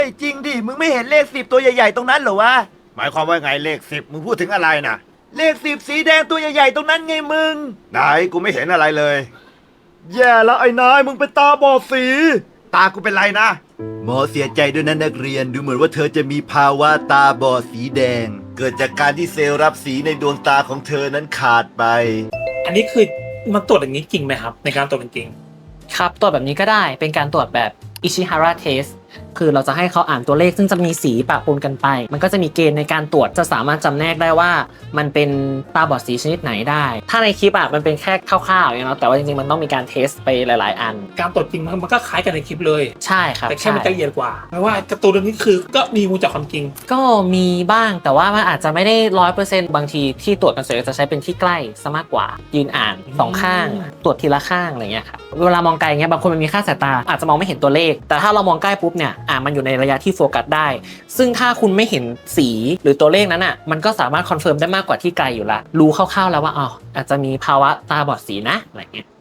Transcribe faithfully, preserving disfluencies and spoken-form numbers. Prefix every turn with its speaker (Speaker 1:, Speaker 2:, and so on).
Speaker 1: ไอ้จริงดิมึงไม่เห็นเลขสิบตัวใหญ่ๆตรงนั้นเหรอวะหมายความว่าไงเลขสิบมึงพูดถึงอะไรนะเลขสิบสีแดงตัวใหญ่ๆตรงนั้นไงมึงไหนกูไม่เห็นอะไรเลยแย่แล้วไอ้นายมึงเป็นตาบอดสีตากูเป็นไรนะหมอเสียใจด้วยนะนักเรียนดูเหมือนว่าเธอจะมีภาวะตาบอดสีแดงเกิดจากการที่เซลล์รับสีในดวงตาของเธอนั้นขาดไป
Speaker 2: อันนี้คือมันตรวจอย่างนี้จริงไหมครับในการตรวจจริง
Speaker 3: ครับตรวจแบบนี้ก็ได้เป็นการตรวจแบบอิชิฮาระเทสคือเราจะให้เขาอ่านตัวเลขซึ่งจะมีสีปะปนกันไปมันก็จะมีเกณฑ์ในการตรวจจะสามารถจำแนกได้ว่ามันเป็นตาบอดสีชนิดไหนได้ถ้าในคลิปอ่ะมันเป็นแค่คร่าวๆอย่างเนาะแต่ว่าจริงๆมันต้องมีการเทสไปหลายๆอัน
Speaker 2: การตรวจจริงมันก็คล้ายกันในคลิปเลย
Speaker 3: ใช่ครับ
Speaker 2: แต่แค่มันละเอียดกว่าแปลว่าการ์ตูนเรื่องนี้คือก็มีมูลจากความจริง
Speaker 3: ก็มีบ้างแต่ว่ามันอาจจะไม่ได้ร้อยเปอร์เซ็นต์บางทีที่ตรวจกันเสร็จจะใช้เป็นที่ใกล้ซะมากกว่ายืนอ่านสองข้างตรวจทีละข้างอะไรเงี้ยครับเวลามองไกลเงี้ยบางคนมันมีค่าสายตาอาจจะมองไม่เห็นตัวเลขแต่ถ้าเรามองใกล้ปุ๊บเนี่ยอ่ามันอยู่ในระยะที่โฟกัสได้ซึ่งถ้าคุณไม่เห็นสีหรือตัวเลขนั้นอ่ะมันก็สามารถคอนเฟิร์มได้มากกว่าที่ไกลอยู่ละรู้คร่าวๆแล้วว่าอ๋ออาจจะมีภาวะตาบอดสีนะอะไรเงี้ย